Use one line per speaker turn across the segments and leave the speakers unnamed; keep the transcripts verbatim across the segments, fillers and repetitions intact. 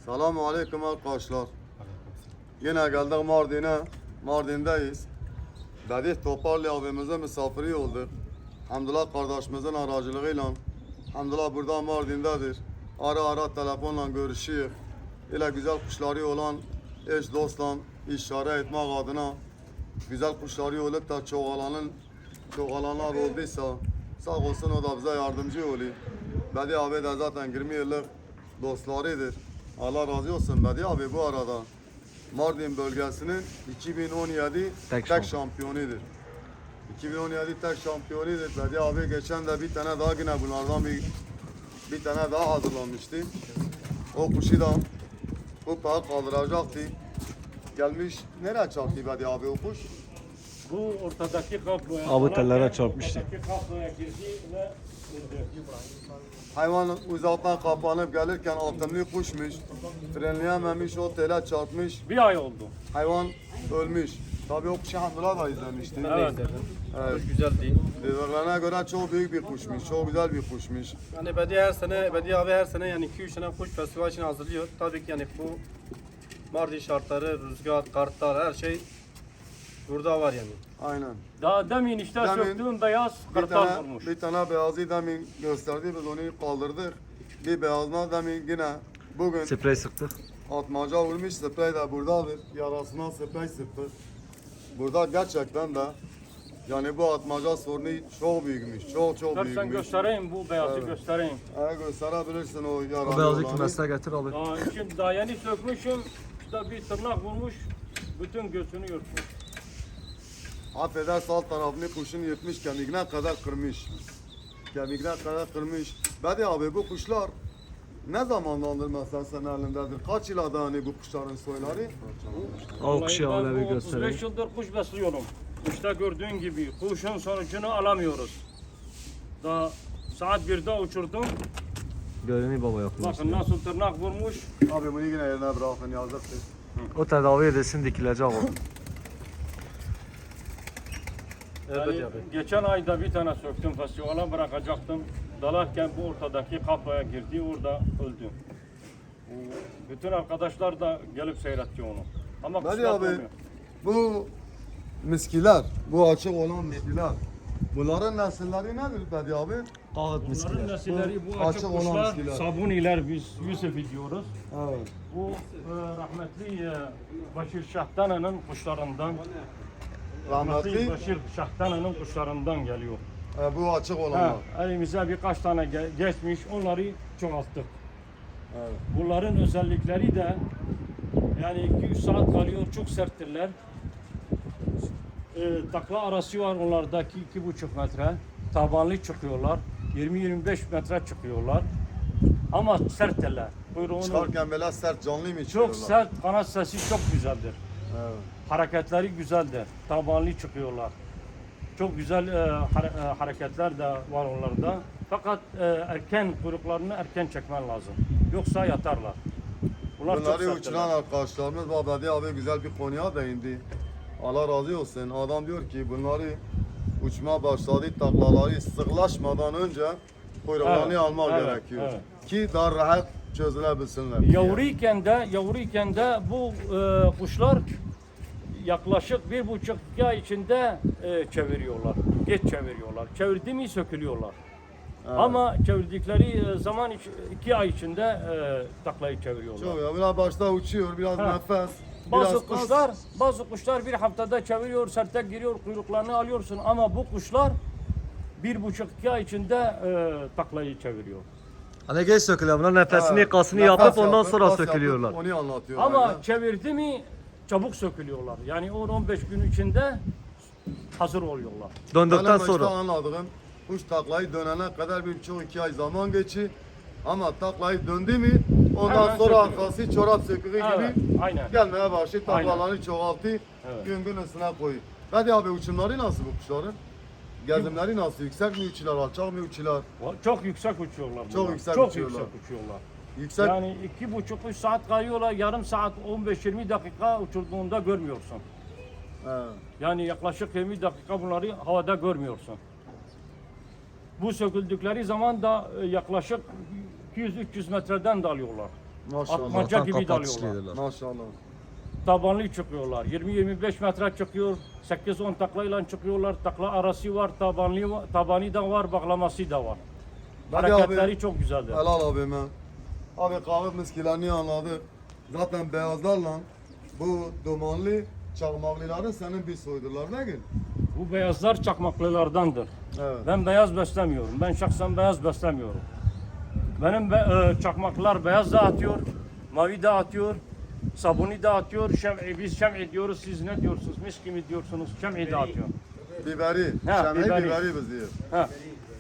Selamun Aleyküm arkadaşlar. Yine geldik Mardin'e. Mardin'deyiz. Dedik Toparlı abimize misafiri olduk. Hamdullah kardeşimizin aracılığıyla. Hamdullah burada Mardin'dedir. Ara ara telefonla görüşüyor. İle güzel kuşları olan eş dostla işare etmek adına güzel kuşları olup da çoğalanın çoğalanlar olduysa sağ olsun o da bize yardımcı oluyor. Bedi abi de zaten yirmi yıllık dostlarıdır. Allah razı olsun Bedi abi bu arada Mardin bölgesinin iki bin on yedi
Tek
tek, şampiyonudur. iki bin on yedi tek şampiyonudur. Bedi abi geçen de bir tane daha yine bunlardan bir bir tane daha hazırlanmıştı. O kuşu da kupaya kaldıracaktı. Gelmiş nereye çarptı Bedi abi o kuş?
Bu ortadaki kabloya,
Abi tellere çarpmıştı.
Ortadaki kabloya girdi ve öldü.
Hayvan uzaktan kapanıp gelirken altınlı kuşmuş. Frenleyememiş, o tele çarpmış.
Bir ay oldu.
Hayvan ölmüş. Tabii o kuşu Hamdullah da izlemişti.
Evet.
Evet.
Güzel değil.
Dediklerine göre çok büyük bir kuşmuş, çok güzel bir kuşmuş.
Yani Bedi her sene, Bedi abi her sene yani iki üç tane kuş festival için hazırlıyor. Tabii ki yani bu Mardin şartları, rüzgar, kartlar her şey burada var yani.
Aynen.
Daha demin işte
Demin
söktüğüm beyaz
Bir
kartal
tane,
vurmuş.
bir tane beyazı demin gösterdi, biz onu kaldırdık. Bir beyazına demin yine bugün
Sprey sıktık.
atmaca vurmuş, sprey de buradadır. Yarasına sprey sıktık. Burada gerçekten de yani bu atmaca sorunu çok büyükmüş, çok çok
Sen
büyükmüş.
göstereyim bu beyazı
Evet.
göstereyim.
Eğer gösterebilirsin o yaralı
O beyazı
olanı.
kümesine getir abi.
Daha, şimdi daha yeni sökmüşüm. İşte bir tırnak vurmuş. Bütün göğsünü yırtmış.
Affedersin alt tarafını kuşun yırtmış, kemiğine kadar kırmış. Kemiğine kadar kırmış. Bedi abi bu kuşlar ne zamandandır mesela senin elindedir? Kaç yılda hani bu kuşların soyları?
O kuşu
Vallahi ben
öyle bir
bu otuz beş
göstereyim.
yıldır kuş besliyorum. İşte gördüğün gibi kuşun sonucunu alamıyoruz. Daha saat birde uçurdum.
Görünüyor baba yapmış.
Bakın nasıl tırnak vurmuş.
Abi bunu yine yerine bırakın yazıktır.
O tedavi edilsin dikilecek o.
Evet
Yani
Bedi abi.
geçen ayda bir tane söktüm festivale bırakacaktım. Dalarken bu ortadaki kaploya girdi, orada öldü. Bütün arkadaşlar da gelip seyretti onu. Ama
Bedi
kuşlar
abi
olmuyor.
bu miskiler, bu açık olan miskiler. Bunların nesilleri nedir Bedi abi?
Kağıt
Bunların
miskiler.
nesilleri bu
Bu
açık
açık olan
kuşlar,
miskiler.
sabuniler biz Yusuf'i diyoruz.
Evet.
Bu e, rahmetli e, Başir Şahtana'nın kuşlarından, rahmetli
Rahmetli
Başir Şahtana'nın kuşlarından geliyor.
e, bu açık olanlar.
Ha, elimize birkaç tane ge- geçmiş, onları çoğalttık.
Evet.
Bunların özellikleri de yani iki üç saat kalıyor, çok serttirler. E, takla arası var onlardaki iki buçuk metre. Tabanlı çıkıyorlar. yirmi yirmi beş metre çıkıyorlar. Ama serttirler. Kuyruğunu
Çıkarken böyle sert canlı mı
çok
çıkıyorlar?
sert, kanat sesi çok güzeldir.
Evet.
Hareketleri güzeldir. Tabanlı çıkıyorlar. Çok güzel e, hare- e, hareketler de var onlarda. Fakat e, erken kuyruklarını erken çekmen lazım. Yoksa yatarlar. Bunlar çok
Bunları
serttirler.
uçuran arkadaşlarımız Babadi abi güzel bir konuya değindi. Allah razı olsun. Adam diyor ki bunları uçma başladı taklaları sıklaşmadan önce kuyruklarını
Evet,
almak
evet,
gerekiyor.
evet.
Ki daha rahat çözülebilsinler. diye.
Yavruyken de yavruyken de bu e, kuşlar yaklaşık bir buçuk iki ay içinde e, çeviriyorlar. Geç çeviriyorlar. Çevirdi mi sökülüyorlar.
Evet.
Ama çevirdikleri e, zaman iç- iki ay içinde e, taklayı çeviriyorlar.
Çok ya biraz başta uçuyor, biraz
Ha.
nefes,
Bazı
biraz kas.
kuşlar, bazı kuşlar bir haftada çeviriyor, serte giriyor, kuyruklarını alıyorsun ama bu kuşlar bir buçuk iki ay içinde e, taklayı çeviriyor.
Hani geç sökülüyor. Bunlar nefesini,
Evet,
kasını
nefes
yapıp ondan
yapıp,
sonra
kas yapıp
sökülüyorlar.
Onu anlatıyor.
Ama
aynen.
çevirdi mi çabuk sökülüyorlar. Yani on on beş gün içinde hazır oluyorlar.
Döndükten
Benim işte
sonra.
anladığım kuş taklayı dönene kadar bir buçuk iki ay zaman geçi. Ama taklayı döndü mü ondan
Hemen
sonra
sökülüyor.
arkası çorap söküğü
Evet,
gibi
aynen.
gelmeye başladı.
Aynen.
Taklalarını çoğalttı.
Evet.
Gün gün üstüne koyuyor. Hadi abi uçumları nasıl bu kuşların? Gezimleri nasıl? Yüksek mi uçuyorlar, alçak mı uçuyorlar?
Çok yüksek uçuyorlar.
Çok
bunlar.
yüksek
Çok
uçuyorlar.
yüksek uçuyorlar.
Yüksek.
Yani iki buçuk üç saat kayıyorlar, yarım saat on beş yirmi dakika uçurduğunda görmüyorsun.
He.
Yani yaklaşık yirmi dakika bunları havada görmüyorsun. Bu söküldükleri zaman da e, yaklaşık iki yüz üç yüz metreden dalıyorlar.
Maşallah.
Atmaca
Allah'tan
gibi
kapatışlı
dalıyorlar.
yediler.
Maşallah.
Tabanlı çıkıyorlar. yirmi yirmi beş metre çıkıyor. sekiz on taklayla çıkıyorlar. Takla arası var, tabanlı var, tabani da var, bağlaması da var.
Hadi
Hareketleri
abi.
çok güzeldir.
Helal abime. Abi kahve miskilerini anladık. Zaten beyazlarla bu dumanlı çakmaklıların senin bir soydular değil mi?
Bu beyazlar çakmaklılardandır.
Evet.
Ben beyaz beslemiyorum. Ben şahsen beyaz beslemiyorum. Benim be, e, çakmaklar beyaz da atıyor, mavi de atıyor, sabuni de atıyor. Şem'i, biz şem'i diyoruz, siz ne diyorsunuz? Miski mi diyorsunuz? Şem'i de atıyor.
Biberi.
Ha,
Şem'i
biberi.
biberi, biz diyor.
Ha.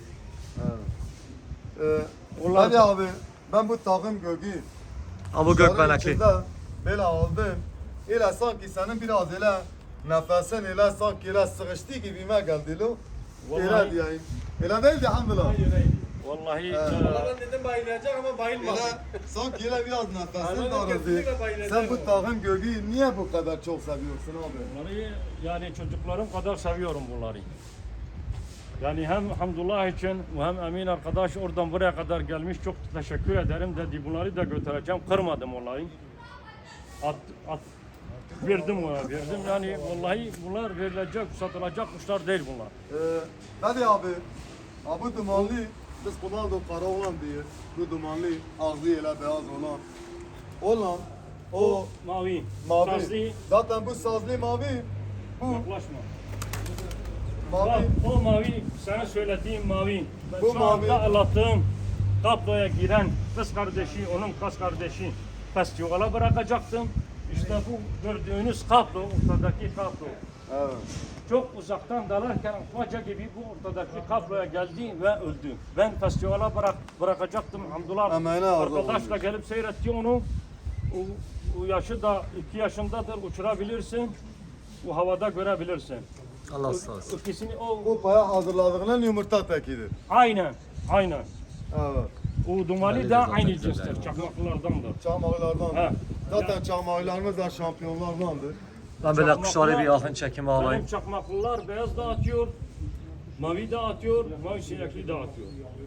Ee,
Onlar-
hadi abi ben bu takım gögü
Ha bu gökbenekli.
böyle aldım. Öyle sanki senin biraz öyle nefesin öyle sanki öyle sıkıştı gibime geldi lo. Öyle
Vallahi-
diyeyim. Öyle değil de alhamdulillah.
Vallahi
Evet.
e,
Ben dedim bayılacak ama bayılmadı.
Öyle sanki öyle biraz nefesin
Aynen,
daraldı.
kesinlikle bayılacak
Sen bu
o.
takım gögü niye bu kadar çok seviyorsun abi?
bunları yani çocuklarım kadar seviyorum bunları. Yani hem Hamdullah için hem Emin arkadaş oradan buraya kadar gelmiş. Çok teşekkür ederim dedi. Bunları da götüreceğim. Kırmadım onları. At, at, verdim ona verdim. Yani vallahi bunlar verilecek, satılacak kuşlar değil bunlar.
Ee, hadi abi. Abi bu dumanlı biz Ronaldo kara olan diye bu dumanlı ağzı ile beyaz olan olan o
Mavi,
mavi.
sazlı,
Zaten bu sazlı mavi. Bu
yaklaşma.
mavi.
Bak o mavi, sana söylediğim mavi. Ben
Bu
şu
mavi.
anda anlattığım tabloya giren kız kardeşi, onun kız kardeşi festivale bırakacaktım. İşte bu gördüğünüz kablo, ortadaki kablo.
Evet.
Çok uzaktan dalarken atmaca gibi bu ortadaki kabloya geldi ve öldü. Ben festivale bırak, bırakacaktım. Hamdullah
Emeğine arzu
arkadaşla
olmuş.
gelip seyretti onu. O, o yaşı da iki yaşındadır, uçurabilirsin. Bu havada görebilirsin.
Allah sağ olsun.
İkisini o
Bu paya hazırladığının yumurta tekidir.
aynen, aynen.
Evet.
O dumali
Belli
de
zaten
aynı
güzel
cinstir,
yani.
çakmaklardandır.
Çamaklardan.
He.
Zaten çamaklarımız da şampiyonlardandır.
Ben böyle kuşları bir yakın çekime alayım.
Benim çakmaklılar beyaz da atıyor, mavi de atıyor, mavi sinekli de atıyor.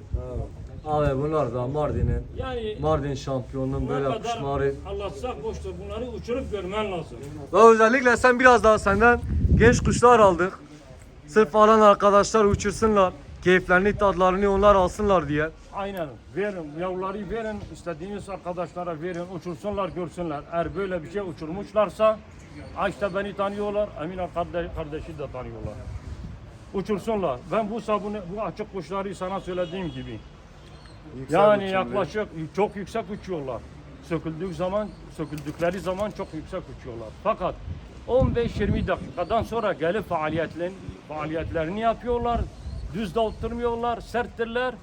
Abi bunlar da Mardin'in,
Yani
Mardin şampiyonunun
ne
böyle
kadar
kuşları.
anlatsak boştur. Bunları uçurup görmen lazım.
Ve özellikle sen biraz daha senden genç kuşlar aldık. Sırf alan arkadaşlar uçursunlar. Keyiflerini, tadlarını onlar alsınlar diye.
Aynen. Verin, yavruları verin, istediğiniz arkadaşlara verin, uçursunlar, görsünler. Eğer böyle bir şey uçurmuşlarsa, ha işte beni tanıyorlar, Emin kardeş, kardeşi de tanıyorlar. Uçursunlar. Ben bu sabunu, bu açık kuşları sana söylediğim gibi.
Yüksek
Yani
uçumlu.
yaklaşık çok yüksek uçuyorlar. Söküldük zaman, söküldükleri zaman çok yüksek uçuyorlar. Fakat on beş yirmi dakikadan sonra gelip faaliyetlerini, faaliyetlerini yapıyorlar. Düz de oturmuyorlar, serttirler.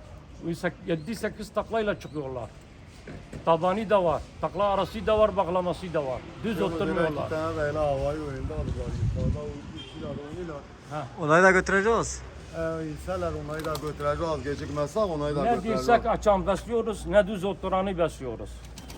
yedi sekiz taklayla çıkıyorlar. Tabani da var, takla arası da var, bağlaması da var. Düz
İki
oturmuyorlar.
tane de öyle havayı oyunda aldılar. Yukarıda uçuyorlar oynuyorlar.
Onları da götüreceğiz.
Ee, İnseler onayı da götüreceğiz. Gecikmezsek onayı da
Ne
götüreceğiz.
dirsek açan besliyoruz, ne düz oturanı besliyoruz.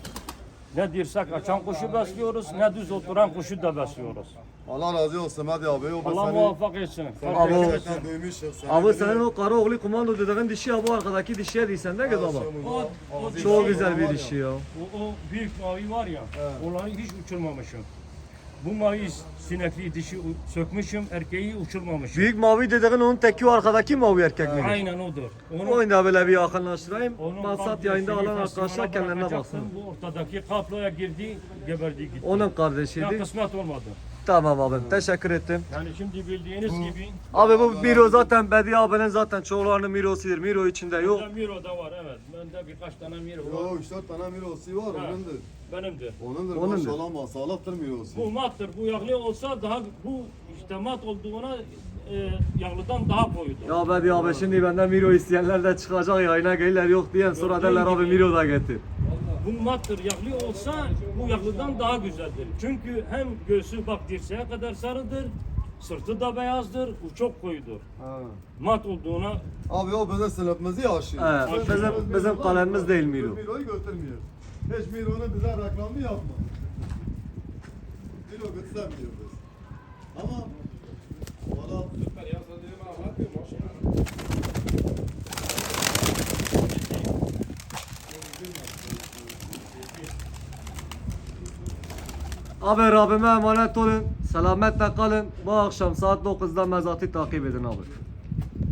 Ne dirsek açan kuşu besliyoruz, ne düz oturan kuşu da besliyoruz.
Allah razı olsun hadi abi. O
Allah
seni,
muvaffak etsin.
seni
Abi o-
gerçekten duymuşuz. Seni
Abi
biliyorum.
senin o kara oğlu komando dediğin dişi ya bu arkadaki dişiye değilsen de baba.
O, o dişi-
Çok güzel bir dişi ya.
O, o büyük mavi var ya, onları hiç uçurmamışım. Bu mavi sinekli dişi u- sökmüşüm, erkeği uçurmamışım.
Büyük mavi dediğin onun teki o arkadaki mavi erkek mi?
Aynen odur. Onu,
Oyunu da böyle bir yakınlaştırayım.
onun
Maksat
kardeşini
yayında alan
festivale
arkadaşlar kendilerine
bırakacaktım.
baksın.
Bu ortadaki kaploya girdi, geberdi gitti.
Onun
Ya
kardeşiydi.
kısmet olmadı.
Tamam abim teşekkür ettim.
Yani şimdi bildiğiniz gibi
Abi bu Miro zaten Bediye abinin zaten çoğularının Miro'sudur. Miro içinde yok.
bende Miro da var evet. Bende birkaç tane Miro var.
Yo üç dört tane mirosi var
Ha.
onundur.
Benimdir.
Onundur
Onundur.
maşallah masalıktır mirosi.
Bu mattır. Bu yağlı olsa daha bu işte mat olduğuna e, yağlıdan daha koyudur.
Ya Bediye abi şimdi benden Miro isteyenler de çıkacak yayına gelirler yok diyen sonra
Yok,
derler
değil
abi
gibi.
Miro da getir.
Bu mattır. Yağlı olsa bu yağlıdan daha güzeldir. Çünkü hem göğsü bak dirseğe kadar sarıdır. Sırtı da beyazdır. Bu çok koyudur.
Ha.
Mat olduğuna
Abi o bizim sınıfımızı yaşıyor.
Evet, bizim- bizim kalemimiz değil Miro.
Miro'yu götürmüyor. Hiç Miro'nun bize reklamı yapma. Miro götüremiyor biz. Ama valla
Abi Rabbime emanet olun. Selametle kalın. Bu akşam saat dokuzda mezatı takip edin abi.